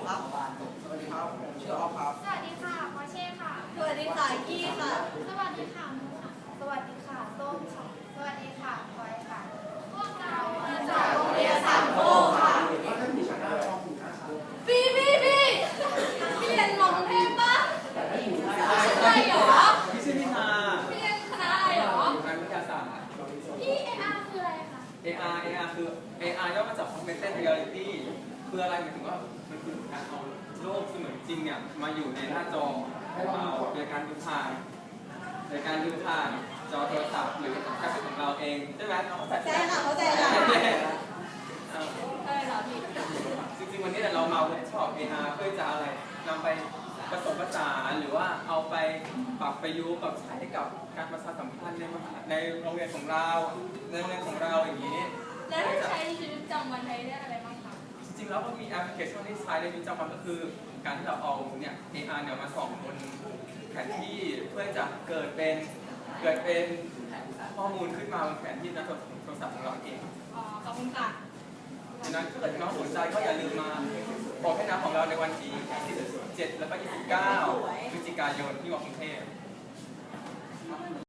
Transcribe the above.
ครับสวัสดีครับผมชื่อออฟครับสวัสดีค่ะพอเช่ค่ะสวัสดีค่ะกี้ค่ะสวัสดีค่ะมูค่ะสวัสดีค่ะส้มค่ะสวัสดีค่ะพลอยค่ะพวกเรามาจากโรงเรียนสามโคกค่ะพี่เรียนมองเทพปะใช่เหรอพี่ชื่อพิธาพี่เรียนคณะอะไรเหรออยู่งานวิทยาศาสตร์พี่ARคืออะไรคะ AR คือ AR ย่อมาจาก Augmented Reality คืออะไรหมายถึงว่ามันคือการเอาโลกเสมือนจริงเนี่ยมาอยู่ในหน้าจอโดยการดูผ่านจอโทรศัพท์หรือแท็บเล็ตของเราเองใช่ไหมน้องเข้าใจใช่ค่ะเข้าใจค่ะใช่ค่ะพี่จริงๆวันนี้เรามาเวิร์กช็อป AR เพื่อจะอะไรนำไปผสมผสานหรือว่าเอาไปปรับประยุกต์กับใช้กับการประชาสัมพันธ์ในโรงเรียนของเราอย่างนี้แล้วได้ใช้ในชีวิตประจำวันไทยได้อะไรบ้างคะจริงๆแล้วก็มีแอปพลิเคชันที่ใช้ในชีวิตประจำวันก็คือการที่เราเอาเนี่ย AR เนี่ยมาส่องบนแผนที่เพื่อจะเกิดเป็นข้อมูลขึ้นมาบนแผนที่ในโทรศัพท์ของเราเองอ๋อขอบคุณค่ะดังนั้นถ้าเกิดน้องสนใจก็อย่าลืมมาบอกให้น้ำของเราในวันที่ 27 แล้วก็ 29 พฤศจิกายนที่มอกรุงเทพ